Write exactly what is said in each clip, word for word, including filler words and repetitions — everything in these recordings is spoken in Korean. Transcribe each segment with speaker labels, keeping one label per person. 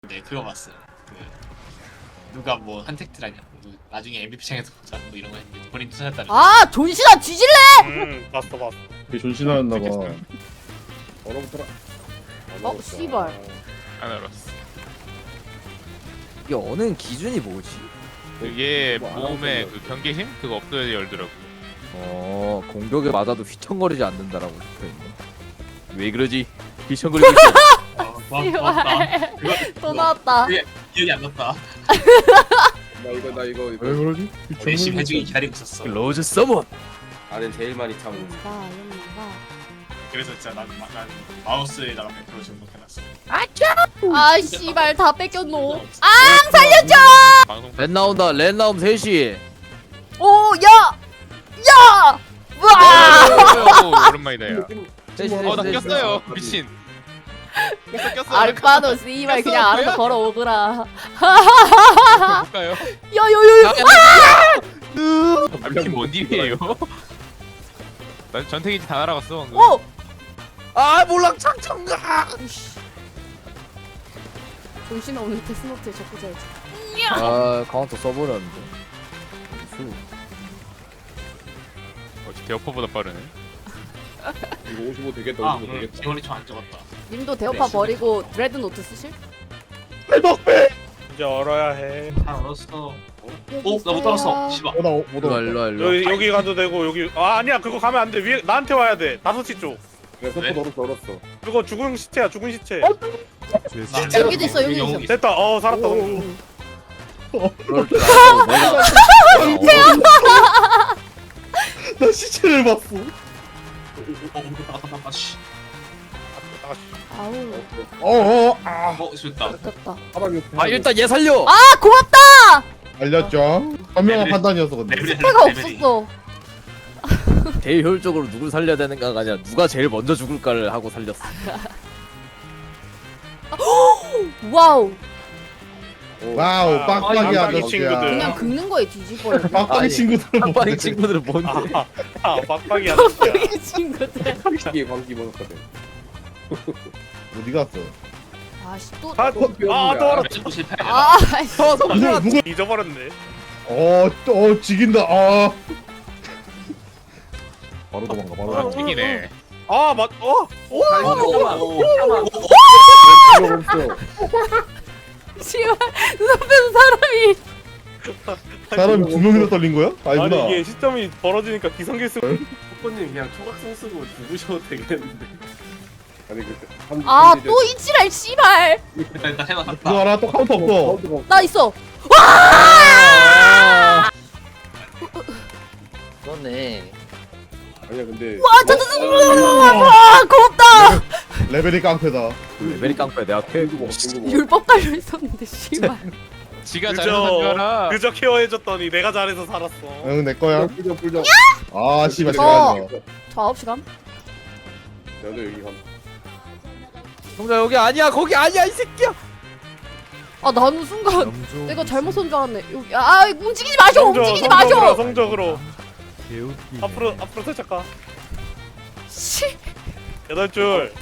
Speaker 1: 네, 그거 봤어요. 그 누가 뭐 한택트라냐, 뭐 나중에 엠브이피 창에서 보자, 뭐 이런 거 했는데 본인 투자했다는.
Speaker 2: 아 존신아 뒤질래?
Speaker 3: 음 봤어 봤어.
Speaker 4: 되게 존신하였나봐.
Speaker 3: 얼어붙어라.
Speaker 2: 어 씨발.
Speaker 5: 안 알았어.
Speaker 6: 이게 어는 기준이 뭐지?
Speaker 5: 그게
Speaker 3: 뭐안
Speaker 5: 몸에
Speaker 3: 하는
Speaker 5: 그 경계 힘 그거 없어야 열더라고.
Speaker 6: 어 공격에 맞아도 휘청거리지 않는다라고 적혀있네. 왜 그러지? 휘청거리고 있어.
Speaker 1: 어, 고맙- 고맙다. 그거
Speaker 2: 또 나왔다.
Speaker 1: 그게 기억이 안 났다.
Speaker 3: 나 이거 나 이거
Speaker 4: 왜 그러지?
Speaker 1: 열심히 해주기 기다리고 있었어.
Speaker 6: 로즈 서먼.
Speaker 3: 나는 제일 많이 타고.
Speaker 2: 연가 연가.
Speaker 1: 그래서 진짜 난, 마- 난 마우스에다가 백 퍼센트 중복해놨어.
Speaker 2: 아 씨발 다 뺏겼노.
Speaker 1: 아
Speaker 2: 살려줘.
Speaker 5: 방송
Speaker 6: 렌 나온다. 렌 나옴 셋이.
Speaker 2: 오 야. 야. 와.
Speaker 5: 오, 오랜만이다 야.
Speaker 6: 셋이
Speaker 5: 어 나
Speaker 6: 셋이, 셋이.
Speaker 5: 꼈어요. 미친. 꼈어 꼈어.
Speaker 2: 알바노 씨발 그냥
Speaker 5: 꼈어,
Speaker 2: 알아서
Speaker 5: 뭐야?
Speaker 2: 걸어오거라.
Speaker 5: 볼까요?
Speaker 2: 야야야야.
Speaker 5: 아 미친 뭔 일이에요? 난 전태기지 다 날아갔어 방금.
Speaker 2: 오.
Speaker 6: 아 몰락 창청가.
Speaker 2: 이씨. 존신아 오늘 데스노트에 적고 자야지.
Speaker 6: 아 카운터 써버렸는데. 수.
Speaker 5: 어, 대어퍼보다 빠르네.
Speaker 3: 이거 오십오 되겠다.
Speaker 1: 아
Speaker 3: 오십오
Speaker 1: 오늘
Speaker 3: 되겠다.
Speaker 1: 기원이 좀 안 적었다.
Speaker 2: 님도 대어파
Speaker 1: 네,
Speaker 2: 버리고 드레드노트 쓰실?
Speaker 3: 이제 얼어야 해.
Speaker 1: 다 얼었어. 오, 나 못 알았어. 씨발.
Speaker 4: 어, 나못
Speaker 6: 일로 와
Speaker 4: 와.
Speaker 6: 일로 와 일로 와.
Speaker 3: 여기 여기 가도 되고 여기 아 아니야 그거 가면 안 돼. 위에 나한테 와야 돼. 다섯 시 쪽.
Speaker 1: 왜?
Speaker 3: 얼었어 얼었어. 그거 죽은 시체야 죽은 시체.
Speaker 1: 나-
Speaker 2: 여기도 있어, 여기
Speaker 1: 영웅
Speaker 2: 있어.
Speaker 3: 됐다. 어 살았다.
Speaker 6: 그럴 줄 알고 내가.
Speaker 4: 나 시체를 봤어.
Speaker 1: 아, 씨.
Speaker 2: 아우
Speaker 4: 어어 아
Speaker 1: 어, 됐다.
Speaker 2: 아깝다.
Speaker 6: 아 일단 얘 살려.
Speaker 2: 아 고맙다.
Speaker 4: 알렸죠. 현명한
Speaker 1: 레벨이-
Speaker 4: 판단이었어 근데.
Speaker 1: 레벨이
Speaker 2: 패가
Speaker 1: 레벨이.
Speaker 2: 없었어.
Speaker 6: 제일 효율적으로 누굴 살려야 되는가가 아니라 누가 제일 먼저 죽을까를 하고 살렸어.
Speaker 2: 와우.
Speaker 4: 와우
Speaker 3: 아,
Speaker 4: 빡빡이
Speaker 3: 아,
Speaker 4: 아저씨야.
Speaker 3: 친구들.
Speaker 2: 그냥 긁는 거에 뒤집어요.
Speaker 4: 빡빡이
Speaker 6: 아니,
Speaker 4: 친구들은
Speaker 6: 빡빡이
Speaker 4: 뭔데?
Speaker 6: 친구들은 뭔데?
Speaker 3: 아, 아 빡빡이 아저씨야.
Speaker 2: 빡빡이 친구들.
Speaker 3: 이게 광기 먹었거든.
Speaker 4: 어디 갔어?
Speaker 2: 아씨 또.
Speaker 3: 아, 아, 또 얼었.
Speaker 1: 또 실패.
Speaker 2: 아 씨.
Speaker 6: 어
Speaker 4: 누구
Speaker 6: 성준아.
Speaker 4: 누구?
Speaker 3: 잊어버렸네.
Speaker 4: 어또 지긴다. 아. 바로 도망가 바로.
Speaker 5: 아
Speaker 4: 도망가.
Speaker 5: 튀기네.
Speaker 3: 아 맞. 어.
Speaker 1: 오,
Speaker 2: 씨발 눈앞에서 사람이.
Speaker 4: 사람이 두 명이나 떨린 거야? 아니구나.
Speaker 3: 아니 이게 시점이 벌어지니까 기성길수.
Speaker 7: 호퍼님 그냥 초각성 쓰고 죽으셔도 되겠는데.
Speaker 3: 아니 그.
Speaker 2: 아 또 이치랄 씨발.
Speaker 1: 일단 일단 해놨다.
Speaker 4: 그거 알아? 또 카운터 없어.
Speaker 2: 나 있어.
Speaker 6: 그러네.
Speaker 3: 아니야 근데.
Speaker 2: 와 저저저. 와 고맙다.
Speaker 4: 레벨이 깡패다.
Speaker 6: 메리 깡패 내가 캐.
Speaker 2: 율법 깔려 있었는데 씨발.
Speaker 5: 지가
Speaker 3: 그저-
Speaker 5: 잘못한 줄 알아.
Speaker 3: 그저 케어해줬더니 내가 잘해서 살았어.
Speaker 4: 응 내 거야.
Speaker 3: 불정 불정.
Speaker 4: 아 씨발
Speaker 2: 어.
Speaker 4: 제가
Speaker 2: 저 아홉 시간.
Speaker 3: 나도 여기 한.
Speaker 6: 성준아 여기 아니야 거기 아니야 이 새끼야.
Speaker 2: 아 나는 순간 내가 잘못 손 줄 알았네. 여기 아 움직이지 마셔. 움직이지
Speaker 3: 성적으로
Speaker 2: 마셔.
Speaker 3: 성적으로. 앞으로 앞으로 살짝 가.
Speaker 2: 씨.
Speaker 3: 여덟 줄.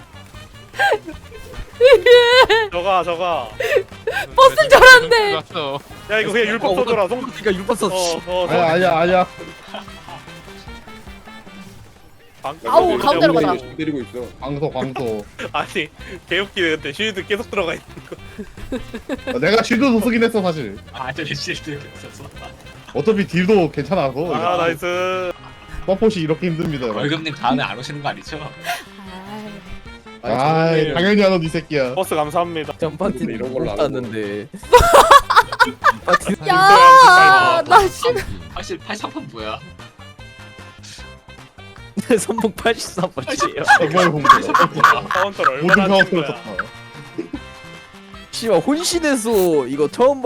Speaker 3: 저가 저가.
Speaker 2: 버스인 줄 알았네.
Speaker 5: 왔어.
Speaker 3: 야 이거 그냥 율법 써줘라. 성.
Speaker 6: 그러니까 율법 썼어.
Speaker 3: 어어.
Speaker 4: 아니야 아니야 아니야.
Speaker 2: 아우, 가운데로 가자.
Speaker 3: 때리고 있어.
Speaker 4: 광소 광소.
Speaker 3: 아니 개웃기네 근데 쉴드 계속 들어가 있는 거.
Speaker 4: 내가 쉴드도 쓰긴 했어 사실.
Speaker 1: 아, 저 실드 있었어.
Speaker 4: 어차피 딜도 괜찮아서.
Speaker 3: 아 나이스.
Speaker 4: 서폿이 이렇게 힘듭니다. 여러분.
Speaker 1: 월급님 다음에 안 오시는 거 아니죠?
Speaker 2: 아이.
Speaker 4: 아이 당연히 안 오는 이 새끼야.
Speaker 3: 버스 감사합니다.
Speaker 6: 전파티는
Speaker 3: 이런
Speaker 6: 이런
Speaker 3: 걸로
Speaker 6: 걸로
Speaker 3: 안
Speaker 6: 땄는데.
Speaker 2: 야, 나 씨발.
Speaker 1: 확실히 팔십삼 판 뭐야?
Speaker 6: 선봉 팔십삼 번째예요.
Speaker 4: 정말 공부.
Speaker 3: 카운터를
Speaker 4: 모든
Speaker 3: 얼마나 친
Speaker 4: 카운터를
Speaker 3: 거야.
Speaker 4: 썼다.
Speaker 6: 씨발 혼신에서 이거 처음